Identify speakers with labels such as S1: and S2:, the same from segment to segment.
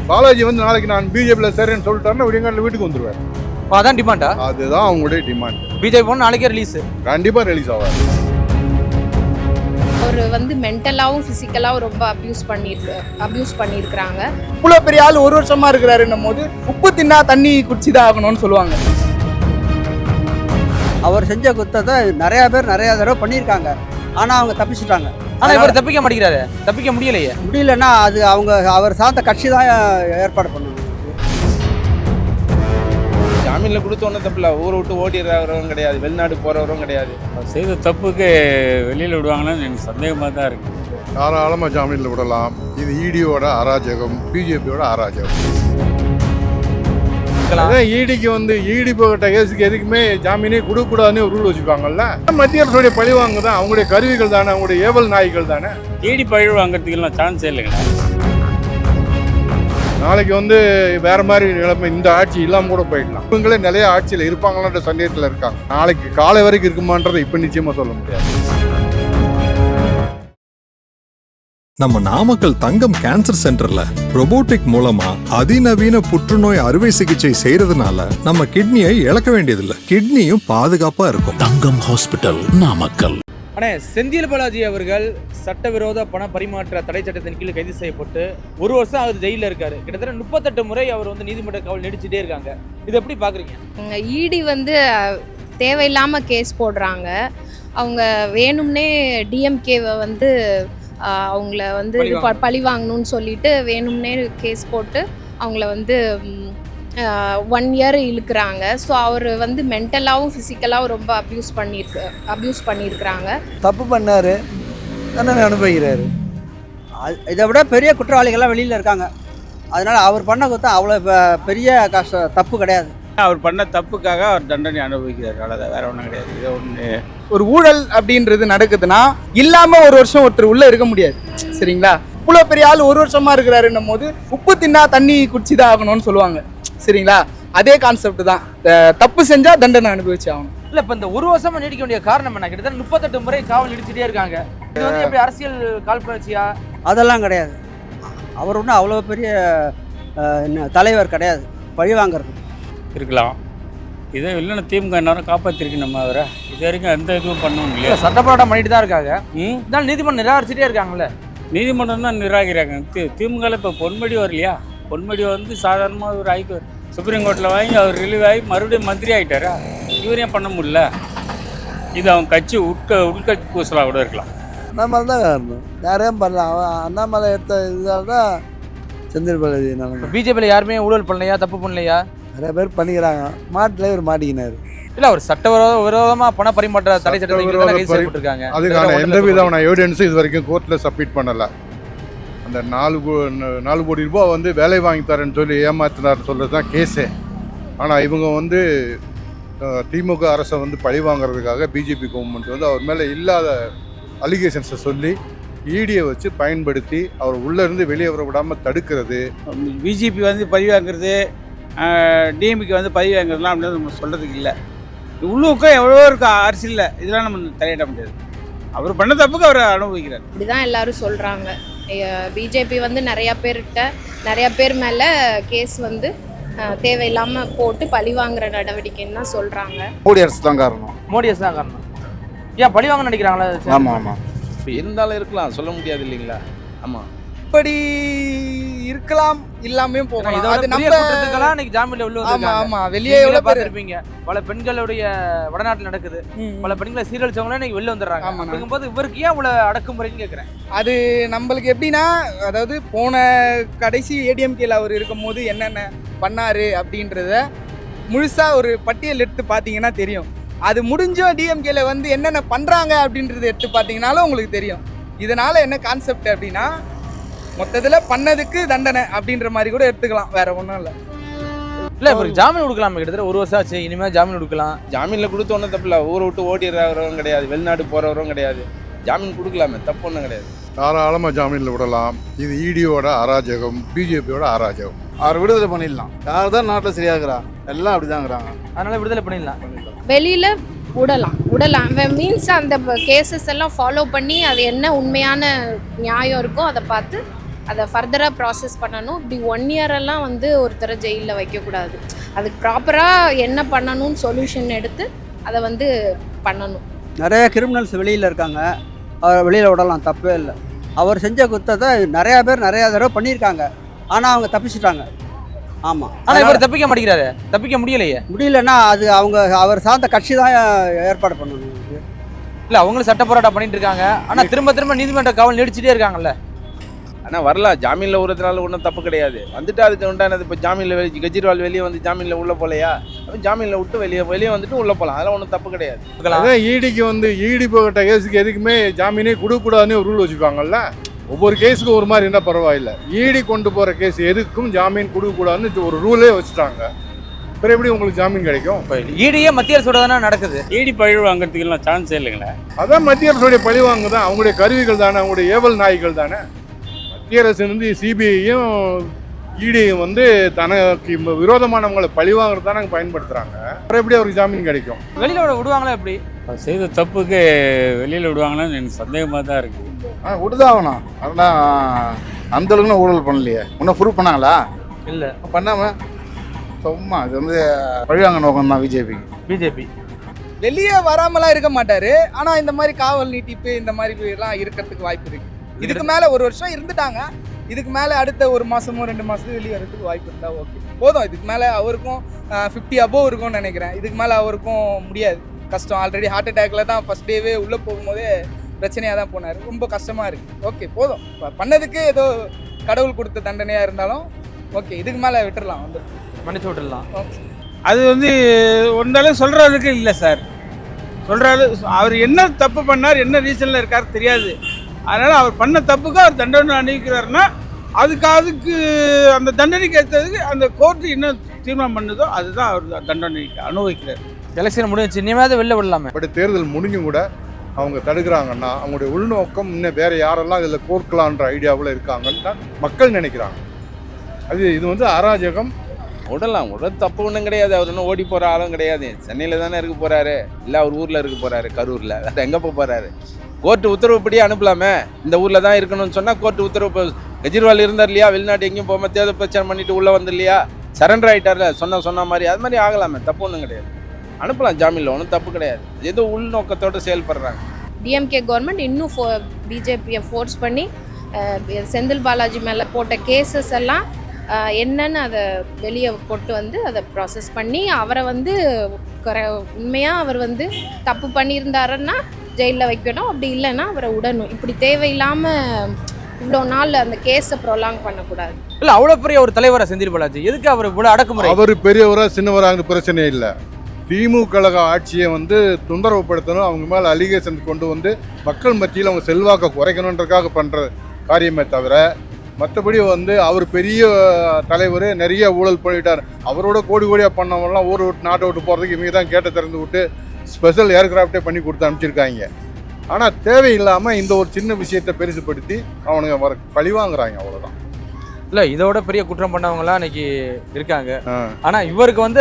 S1: பாலாஜி வந்து நாளைக்கு நான் பிஜேபியில் சேரேன்னு சொல்லிட்டாருன்னா விடியங்காலில் வீட்டுக்கு வந்துருவார்.
S2: அதான் டிமாண்டா?
S1: அதுதான் அவங்களுடைய டிமாண்ட்.
S2: பிஜேபி போன நாளைக்கே ரிலீஸ்,
S1: கண்டிப்பாக ரிலீஸ் ஆவார்.
S3: அவர் வந்து மென்டலாகவும் ஃபிசிக்கலாகவும் ரொம்ப அப்யூஸ் பண்ணியிருக்கிறாங்க.
S4: இவ்வளோ பெரிய ஆள் ஒரு வருஷமா இருக்கிறாருன்னும் போது உப்பு தின்னா தண்ணி குடிச்சுதான் ஆகணும்னு சொல்லுவாங்க.
S5: அவர் செஞ்ச குத்தத்தை நிறைய பேர் நிறைய தடவை பண்ணியிருக்காங்க. ஆனால் அவங்க தப்பிச்சுட்டாங்க.
S2: ஆனால் இவர் தப்பிக்க மாட்டேங்கிறாரு, தப்பிக்க முடியலையே.
S5: முடியலன்னா அது அவர் சார்ந்த கட்சி தான் ஏற்பாடு பண்ணணும்.
S6: ஜாமீனில் கொடுத்தோன்னே தப்பில்ல, ஊரை விட்டு ஓடிடுறவரும் கிடையாது, வெளிநாடு போகிறவரும் கிடையாது.
S7: செய்த தப்புக்கு வெளியில் விடுவாங்கன்னு எனக்கு சந்தேகமாக தான் இருக்குது.
S1: தாராளமாக ஜாமீனில் விடலாம். இது இடியோட அராஜகம், பிஜேபியோட அராஜகம். ஈடிக்கு வந்து ஈடி போகிட்ட கேஸுக்கு எதுக்குமே ஜாமீனே கொடுக்கக்கூடாதுன்னு ஒரு ரூல் வச்சுப்பாங்கல்ல. மத்திய அரசுடைய பழிவாங்க தான், அவங்களுடைய கருவிகள் தானே, அவங்களுடைய ஏவல் நாய்கள் தானே.
S7: ஈடி பழி வாங்கிறதுக்கெல்லாம் சான்ஸே இல்லைங்க.
S1: நாளைக்கு வந்து வேற மாதிரி நிலைமை, இந்த ஆட்சி இல்லாமல் கூட போயிடலாம். இவங்களே நிறைய ஆட்சியில் இருப்பாங்களான்ற சந்தேகத்தில் இருக்காங்க. நாளைக்கு காலை வரைக்கும் இருக்குமான்றதை இப்போ நிச்சயமாக சொல்ல முடியாது.
S8: நம்ம நாமக்கல் தங்கம் கேன்சர் சென்டர்ல ரோபோட்டிக் மூலமா அதிநவீன புற்றுநோய் அறுவை சிகிச்சை செய்யறதுனால நம்ம கிட்னியை இழக்க வேண்டியதில்லை, கிட்னியும் பாதுகாப்பா இருக்கும்.
S9: தங்கம் ஹாஸ்பிட்டல், நாமக்கல்.
S2: அண்ணே, செந்தில் பாலாஜி அவர்கள் சட்டவிரோத பண பரிமாற்ற தடை சட்டத்தின் கீழ் கைது செய்யப்பட்டு ஒரு வருஷம் அவர் ஜெயிலில் இருக்காரு. கிட்டத்தட்ட 38 முறை அவர் வந்து நீதிமன்ற காவல் நடிச்சுட்டே இருக்காங்க. இது எப்படி பாக்குறீங்க?
S3: இடி வந்து தேவையில்லாமல் கேஸ் போடுறாங்க. அவங்க வேணும்னே டிஎம்கேவை வந்து அவங்கள வந்து பழி வாங்கணும்னு சொல்லிட்டு வேணும்னே கேஸ் போட்டு அவங்கள வந்து 1 இயர் இழுக்கிறாங்க. ஸோ அவர் வந்து மென்டலாகவும் ஃபிசிக்கலாகவும் ரொம்ப அப்யூஸ் பண்ணியிருக்கிறாங்க.
S5: தப்பு பண்ணார், தண்டனை அனுபவிக்கிறாரு. இதை விட பெரிய குற்றவாளிகள்லாம் வெளியில் இருக்காங்க. அதனால் அவர் பண்ண குத்தம் அவ்வளோ பெரிய தப்பு கிடையாது.
S6: அவர் பண்ண தப்புக்காக அவர் தண்டனை அனுபவிக்கிறார், அவ்வளோதான், வேற ஒன்றும் கிடையாது. இது ஒன்று,
S4: ஒரு ஊழல் அப்படின்றது நடக்குதுன்னா இல்லாம ஒரு வருஷம் ஒருத்தர் உள்ள இருக்க முடியாது. சரிங்களா? இவ்வளோ பெரிய ஆள் ஒரு வருஷமா இருக்கிறாருன்னும் போது உப்பு தின்னா தண்ணி குடிச்சுதான் ஆகணும்னு சொல்லுவாங்க. சரிங்களா? அதே கான்செப்ட் தான். தப்பு செஞ்சா தண்டனை அனுபவிச்சு ஆகணும்.
S2: இல்ல, இப்ப இந்த ஒரு வருஷமா நீடிக்க வேண்டிய காரணம் என்ன? கிட்டத்தட்ட 38 முறை காவல் நடிச்சுட்டே இருக்காங்க. இது வந்து எப்படி அரசியல் காழ்ப்புணர்ச்சியா?
S5: அதெல்லாம் கிடையாது. அவர் ஒன்றும் அவ்வளோ பெரிய தலைவர் கிடையாது பழி வாங்கிறது.
S7: இருக்கலாம். இதை இல்லைன்னா திமுக நேரம் காப்பாற்றிருக்கு நம்ம அவரை. இது வரைக்கும் எந்த இதுவும் பண்ணவும் இல்லையா?
S2: சட்ட போராட்டம் பண்ணிட்டு தான் இருக்காங்க. இருந்தாலும் நீதிமன்றம் நிராகரிச்சுட்டே இருக்காங்கல்ல.
S7: நீதிமன்றம் தான் நிராகரிக்கிறாங்க. திமுகவில் இப்போ பொன்முடி வரலையா? பொன்முடி வந்து சாதாரணமாக ஒரு சுப்ரீம் கோர்ட்டில் வாங்கி அவர் ரிலீவ் ஆகி மறுபடியும் மந்திரி ஆகிட்டாரா? இவரையும் பண்ண முடியல. இது அவங்க கட்சி உள்கட்சி பூசலாக கூட இருக்கலாம்.
S5: அண்ணாமலை தான் காரணம், யாரையும் பண்ணலாம். அவன் அண்ணாமலை எடுத்த இதால் தான் செந்தில் பாலாஜி.
S2: பிஜேபியில் யாருமே ஊழல் பண்ணலையா, தப்பு பண்ணலையா?
S5: நிறைய பேர் பண்ணிக்கிறாங்க. மாட்டில் இவர் மாட்டிக்கினார்.
S2: இல்ல, அவர் விரோதமா பண பரிமாற்ற தடை சட்டத்தின் கைது செய்யப்பட்டிருக்காங்க.
S1: அதுக்கான எந்த விதமான எவிடன்ஸும் இது வரைக்கும் கோர்ட்டில் சப்மிட் பண்ணலை. அந்த 4 கோடி ரூபாய் வந்து வேலை வாங்கி தரேன்னு சொல்லி ஏமாத்தினார் சொல்கிறது தான் கேஸே. ஆனால் இவங்க வந்து திமுக அரசை வந்து பழி வாங்கிறதுக்காக பிஜேபி கவர்மெண்ட் வந்து அவர் மேலே இல்லாத அலிகேஷன்ஸை சொல்லி ஈடியை வச்சு பயன்படுத்தி அவர் உள்ளேருந்து வெளியே வர விடாமல் தடுக்கிறது.
S6: பிஜேபி வந்து பழி வாங்குறது, டிஎம்கே வந்து பதவி வாங்குறதுலாம் அப்படின்னு நம்ம சொல்கிறதுக்கு இல்லை. உள்ளுக்கும் எவ்வளோ இருக்கு அரசியலில், இதெல்லாம் நம்ம தலையிட முடியாது. அவர் பண்ண தப்புக்கு அவர் அனுபவிக்கிறார்.
S3: இப்படிதான் எல்லாரும் சொல்றாங்க. பிஜேபி வந்து நிறைய பேர் மேலே கேஸ் வந்து தேவையில்லாமல் போட்டு பழி வாங்குற நடவடிக்கைன்னு தான் சொல்றாங்க.
S1: மோடி அரசு தான் காரணம்.
S2: மோடி அரசு தான் காரணம். ஏன் பழி வாங்க நினைக்கிறாங்களா?
S1: ஆமாம் ஆமாம்,
S6: இப்போ இருந்தாலும் இருக்கலாம், சொல்ல முடியாது இல்லைங்களா? ஆமாம்,
S4: இப்படி இருக்கலாம், இல்லாமே போகலாம். அது நம்ம
S2: இன்னைக்கு ஜாமீன்ல உள்ள
S4: ஆமா ஆமா வெளியே எவ்வளவு
S2: பார்த்திருப்பீங்க. பல பெண்களுடைய வடநாட்டில் நடக்குது. பல பெண்களை சீரழிச்சவங்களே இன்னைக்கு வெளில வந்துடுறாங்க. அப்படிங்கும்போது இவருக்கு ஏன் இவ்வளவு அடக்குமுறைன்னு கேட்குறேன்.
S4: அது நம்மளுக்கு எப்படின்னா, அதாவது போன கடைசி ஏடிஎம்கேல அவர் இருக்கும் போது என்னென்ன பண்ணாரு அப்படின்றத முழுசா ஒரு பட்டியல் எடுத்து பார்த்தீங்கன்னா தெரியும். அது முடிஞ்சும் டிஎம்கேல வந்து என்னென்ன பண்றாங்க அப்படின்றத எடுத்து பார்த்தீங்கன்னாலும் உங்களுக்கு தெரியும். இதனால என்ன கான்செப்ட் அப்படின்னா, மொத்தத்தில் பண்ணதுக்கு தண்டனை அப்படின்ற மாதிரி கூட எடுத்துக்கலாம், வேற ஒன்றும் இல்லை.
S2: இல்லை, இவருக்கு ஜாமீன் கொடுக்கலாம். கிட்டத்தட்ட ஒரு வருஷம் ஆச்சு, இனிமேல் ஜாமீன் கொடுக்கலாம்.
S6: ஜாமீனில் கொடுத்தோன்னே தப்பில்ல, ஊரை விட்டு ஓடிடுறவரும் கிடையாது, வெளிநாடு போகிறவரும் கிடையாது. ஜாமீன் கொடுக்கலாமே, தப்பு ஒன்றும் கிடையாது.
S1: தாராளமாக ஜாமீனில் விடலாம். இது இடியோட அராஜகம், பிஜேபியோட அராஜகம்.
S5: அவர் விடுதலை பண்ணிடலாம். யார் தான் நாட்டில் சரியாகிறா, எல்லாம் அப்படிதாங்கிறாங்க.
S2: அதனால விடுதலை பண்ணிடலாம்.
S3: வெளியில விடலாம் மீன்ஸ் அந்த கேசஸ் எல்லாம் ஃபாலோ பண்ணி அது என்ன உண்மையான நியாயம் இருக்கோ அதை பார்த்து அதை ஃபர்தராக ப்ராசஸ் பண்ணணும். இப்படி 1 இயரெல்லாம் வந்து ஒருத்தரை ஜெயிலில் வைக்கக்கூடாது. அதுக்கு ப்ராப்பராக என்ன பண்ணணும்னு சொல்யூஷன் எடுத்து அதை வந்து பண்ணணும்.
S5: நிறைய கிரிமினல்ஸ் வெளியில் இருக்காங்க, அவர் வெளியில் விடலாம், தப்பே இல்லை. அவர் செஞ்ச குற்றத்தை நிறையா பேர் நிறையா தடவை பண்ணியிருக்காங்க, ஆனால் அவங்க தப்பிச்சிட்டாங்க. ஆமாம்,
S2: ஆனா இவர் தப்பிக்க மாட்டேங்கிறாரு, தப்பிக்க முடியலையே.
S5: முடியலன்னா அது அவர் சார்ந்த கட்சி தான் ஏற்பாடு பண்ணணும்.
S2: இல்ல அவங்களும் சட்ட போராட்டம் பண்ணிட்டு இருக்காங்க, ஆனா திரும்ப நீதிமன்ற காவல் நீடிச்சுட்டே இருக்காங்கல்ல.
S6: ஆனால் வரலாம், ஜாமீனில் விடுறதுனால ஒன்றும் தப்பு கிடையாது. வந்துட்டு அதுக்கு உண்டானது இப்போ ஜாமீனில் கெஜ்ரிவால் வெளியே வந்து ஜாமீனில் உள்ளே போகலையா, ஜாமீனில் விட்டு வெளியே வந்துட்டு உள்ளே போகலாம், அதெல்லாம் ஒன்றும் தப்பு கிடையாது.
S1: அதான் ஈடிக்கு வந்து ஈடி போகட்ட கேஸுக்கு எதுக்குமே ஜாமீனே கொடுக்கக்கூடாதுன்னு ஒரு ரூல் வச்சுருக்காங்கல்ல. ஒவ்வொரு கேஸுக்கும் ஒரு மாதிரி இருந்தால் பரவாயில்ல. ஈடி கொண்டு போகிற கேஸ் எதுக்கும் ஜாமீன் கொடுக்கக்கூடாதுன்னு ஒரு ரூலே வச்சுட்டாங்க. அப்புறம் எப்படி உங்களுக்கு ஜாமீன் கிடைக்கும்?
S2: ஈடியே மத்திய அரசோட தானே நடக்குது.
S7: ஈடி பழி வாங்குறதுக்கெல்லாம் சான்ஸே இல்லைங்களே.
S1: அதான் மத்திய அரசுடைய பழிவாங்க தான், அவங்களுடைய கருவிகள் தானே, அவங்களுடைய ஏவல் நாய்கள் தானே. மத்திய அரசு வந்து சிபிஐயும் ஈடியும் வந்து தனக்கு விரோதமானவங்களை பழிவாங்கிறது தானே பயன்படுத்துகிறாங்க. அப்புறம் எப்படி அவருக்கு ஜாமீன் கிடைக்கும்?
S2: வெளியில விடுவாங்களா எப்படி?
S7: செய்த தப்புக்கு வெளியில் விடுவாங்கன்னு எனக்கு சந்தேகமாக தான் இருக்குது.
S10: விடுதான் ஆகணும். அதெல்லாம் அந்த அளவுக்கு ஊழல் பண்ணலையே. இன்னும் ப்ரூவ் பண்ணாங்களா?
S2: இல்லை,
S10: பண்ணாமல் சும்மா இது வந்து பழிவாங்க நோக்கம் தான்
S2: பிஜேபி.
S4: வெளியே வராமலாம் இருக்க மாட்டாரு, ஆனா இந்த மாதிரி காவல் நீட்டிப்பு இந்த மாதிரி எல்லாம் இருக்கிறதுக்கு வாய்ப்பு இருக்கு. இதுக்கு மேல 1 வருஷம் இருந்துட்டாங்க, இதுக்கு மேல அடுத்த 1 மாசமோ 2 மாசத்துக்கு வெளியே வரதுக்கு வாய்ப்பு இருந்தா ஓகே போதும். இதுக்கு மேல அவருக்கும் 50 above இருக்கும்னு நினைக்கிறேன். இதுக்கு மேல அவருக்கும் முடியாது, கஷ்டம். ஆல்ரெடி ஹார்ட் அட்டாக்ல தான் ஃபர்ஸ்ட் டேவே உள்ள போகும்போதே பிரச்சனையாக தான் போனார். ரொம்ப கஷ்டமாக இருக்குது. ஓகே போதும், பண்ணதுக்கு ஏதோ கடவுள் கொடுத்த தண்டனையாக இருந்தாலும் ஓகே, இதுக்கு மேலே விட்டுடலாம், வந்து
S2: மன்னிச்சு விட்டுடலாம்.
S4: ஓகே,
S6: அது வந்து ஒன்றாலும் சொல்கிற அளவுக்கு இல்லை சார். சொல்கிற அவர் என்ன தப்பு பண்ணார், என்ன ரீசனில் இருக்கார் தெரியாது. அதனால் அவர் பண்ண தப்புக்கு அவர் தண்டனை அனுபவிக்கிறாருன்னா அதுக்கு அந்த தண்டனைக்கு ஏற்றதுக்கு அந்த கோர்ட்டு என்ன தீர்மானம் பண்ணுதோ அதுதான் அவர் தண்டனை அனுபவிக்கிறார்.
S2: எலெக்ஷன் முடிஞ்சு இனிமேல் வெளில விடலாமே.
S1: பட் தேர்தல் முடிஞ்சும் கூட அவங்க தடுக்கிறாங்கன்னா அவங்களுடைய உள்நோக்கம் இன்னும் வேறு யாரெல்லாம் இதில் கோர்க்கலான்ற ஐடியாவில் இருக்காங்கன்னு தான் மக்கள் நினைக்கிறாங்க. இது வந்து அராஜகம்.
S6: விடலாம், தப்பு ஒன்றும் கிடையாது. அவர் இன்னும் ஓடி போகிற ஆளும் கிடையாது. சென்னையில் தானே இருக்க போகிறாரு, இல்லை அவர் ஊரில் இருக்க போகிறாரு, கரூரில். வேறு எங்கே போகிறாரு? கோர்ட்டு உத்தரவுப்படியே அனுப்பலாமே. இந்த ஊரில் தான் இருக்கணும்னு சொன்னால் கோர்ட்டு உத்தரவு. கெஜ்ரிவால் இருந்தார் இல்லையா, வெளிநாட்டு எங்கேயும் போகாமல் தேர்தல் பிரச்சனை பண்ணிட்டு உள்ளே வந்து இல்லையா, சரண்டர் ஆகிட்டார்ல, சொன்ன மாதிரி. அது மாதிரி ஆகலாமே, தப்பு ஒன்றும் கிடையாது. அனுப்பலாம் ஜாமீனில், ஒன்றும் தப்பு கிடையாது. ஏதோ உள்நோக்கத்தோடு செயல்படுறாங்க.
S3: டிஎம்கே கவர்மெண்ட் இன்னும் பிஜேபியை ஃபோர்ஸ் பண்ணி செந்தில் பாலாஜி மேலே போட்ட கேசஸ் எல்லாம் என்னன்னு அதை வெளியே கொண்டு வந்து அதை ப்ராசஸ் பண்ணி அவரை வந்து உண்மையாக அவர் வந்து தப்பு பண்ணியிருந்தாருன்னா ஜெயிலில் வைக்கணும், அப்படி இல்லைன்னா அவரை விடணும். இப்படி தேவையில்லாமல் இவ்வளோ நாள் அந்த கேஸை ப்ரொலாங் பண்ணக்கூடாது.
S2: இல்லை, அவ்வளோ பெரிய ஒரு தலைவரை செந்தில் பாலாஜி, எதுக்கு அவர் இவ்வளோ அடக்குமுறை?
S1: அவர் பெரியவராக சின்னவராக பிரச்சனை இல்லை. திமுக கழக ஆட்சியை வந்து தொந்தரவுப்படுத்தணும், அவங்க மேலே அலிகேஷன் கொண்டு வந்து மக்கள் மத்தியில் அவங்க செல்வாக்கை குறைக்கணுன்றதுக்காக பண்ணுற காரியமே தவிர மற்றபடி வந்து அவர் பெரிய தலைவர், நிறைய ஊழல் பண்ணிட்டார். அவரோட கோடியாக பண்ணவங்கலாம் ஊரை விட்டு நாட்டை விட்டு போகிறதுக்கு இவங்க தான் கேட்டை திறந்து விட்டு ஸ்பெஷல் ஏர்கிராஃப்டே பண்ணி கொடுத்து அனுப்பிச்சிருக்காங்க. ஆனால் தேவையில்லாமல் இந்த ஒரு சின்ன விஷயத்தை பெருசுப்படுத்தி அவனுங்க பழிவாங்குறாங்க, அவ்வளோதான்.
S2: இல்லை, இதோட பெரிய குற்றம் பண்ணவங்கலாம் இன்னைக்கு இருக்காங்க. ஆனால் இவருக்கு வந்து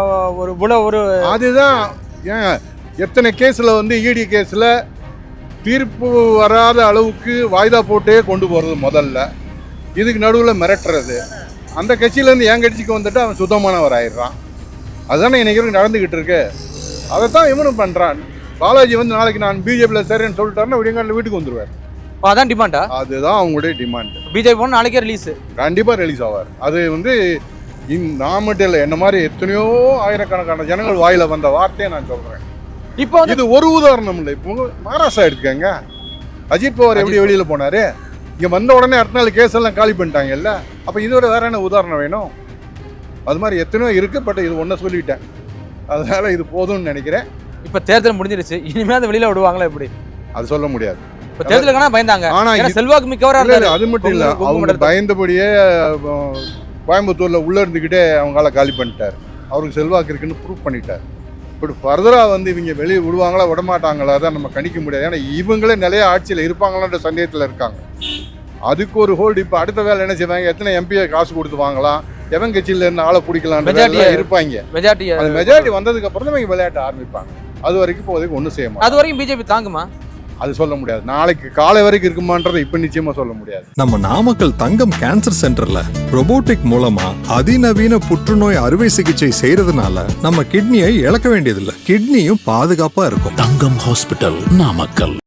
S2: ஒரு
S1: அதுதான் ஏன் எத்தனை கேஸில் வந்து இடி கேஸில் தீர்ப்பு வராத அளவுக்கு வாய்தா போட்டே கொண்டு போகிறது முதல்ல. இதுக்கு நடுவில் மிரட்டுறது. அந்த கட்சியிலேருந்து என் கட்சிக்கு வந்துட்டு அவன் சுத்தமானவர் ஆயிடுறான். அதுதானே இன்றைக்கி நடந்துக்கிட்டு இருக்கு. அதை தான் இவனும் பண்ணுறான். பாலாஜி வந்து நாளைக்கு நான் பிஜேபியில் சரின்னு சொல்லிட்டாருன்னா விடியங்காலில் வீட்டுக்கு வந்துடுவார்.
S2: அதான் டிமாண்டா?
S1: அதுதான் அவங்களுடைய டிமாண்ட்.
S2: பிஜேபி போன நாளைக்கே ரிலீஸ்,
S1: கண்டிப்பாக ரிலீஸ் ஆவார். அது வந்து நான் மட்டும் இல்லை, என்ன மாதிரி எத்தனையோ ஆயிரக்கணக்கான ஜனங்கள் வாயில் வந்த வார்த்தையை நான் சொல்கிறேன். இப்போ இது ஒரு உதாரணம் இல்லை. இப்போ மகாராஷ்டிரா எடுத்துக்கங்க. அஜித் பவார் எப்படி வெளியில் போனார், இங்கே வந்த உடனே அடுத்த நாள் கேஸ் எல்லாம் காலி பண்ணிட்டாங்கல்ல. அப்போ இதோட வேற என்ன உதாரணம் வேணும்? அது மாதிரி எத்தனையோ இருக்குது. பட் இது ஒன்றை சொல்லிட்டேன், அதனால் இது போதும்னு நினைக்கிறேன்.
S2: இப்போ தேர்தல் முடிஞ்சிருச்சு, இனிமேல் அதை வெளியில் விடுவாங்களா எப்படி?
S1: அது சொல்ல முடியாது.
S2: இப்போ தேர்தலுக்கான பயந்தாங்க, ஆனால் செல்வாக்கு மிக்கவராக இருந்தாரு.
S1: அது மட்டும் இல்லை, அவங்க பயந்தபடியே கோயம்புத்தூரில் உள்ளே இருந்துக்கிட்டே அவங்களால காலி பண்ணிட்டார். அவருக்கு செல்வாக்கு இருக்குன்னு ப்ரூவ் பண்ணிட்டார். இப்படி ஃபர்தராக வந்து இவங்க வெளியே விடுவாங்களா விடமாட்டாங்களா தான் நம்ம கணிக்க முடியாது. ஏன்னா இவங்களே நிலைய ஆட்சியில் இருப்பாங்களான்ற சந்தேகத்தில் இருக்காங்க. அதுக்கு ஒரு ஹோல்டு. இப்போ அடுத்த வேலை என்ன செய்வாங்க, எத்தனை எம்பியை காசு கொடுத்து வாங்கலாம், எவன் கட்சியில் இருந்து ஆளை பிடிக்கலாம் இருப்பாங்க. மெஜாரிட்டி வந்ததுக்கு அப்புறம் தான் இவங்க விளையாட்ட ஆரம்பிப்பாங்க. அது வரைக்கும் இப்போதைக்கு ஒன்றும் செய்ய மாட்டாங்க.
S2: அது வரைக்கும் பிஜேபி தாங்குமா?
S1: அது சொல்ல முடியாது. நாளைக்கு காலை வரைக்கும் இருக்குமான்றதை இப்போ நிச்சயமா சொல்ல முடியாது.
S8: நம்ம நாமக்கல் தங்கம் கேன்சர் சென்டர்ல ரோபோட்டிக் மூலமா அதிநவீன புற்றுநோய் அறுவை சிகிச்சை செய்யறதுனால நம்ம கிட்னியை இழக்க வேண்டியதில்லை. கிட்னியும் பாதுகாப்பா இருக்கும்.
S9: தங்கம் ஹாஸ்பிட்டல், நாமக்கல்.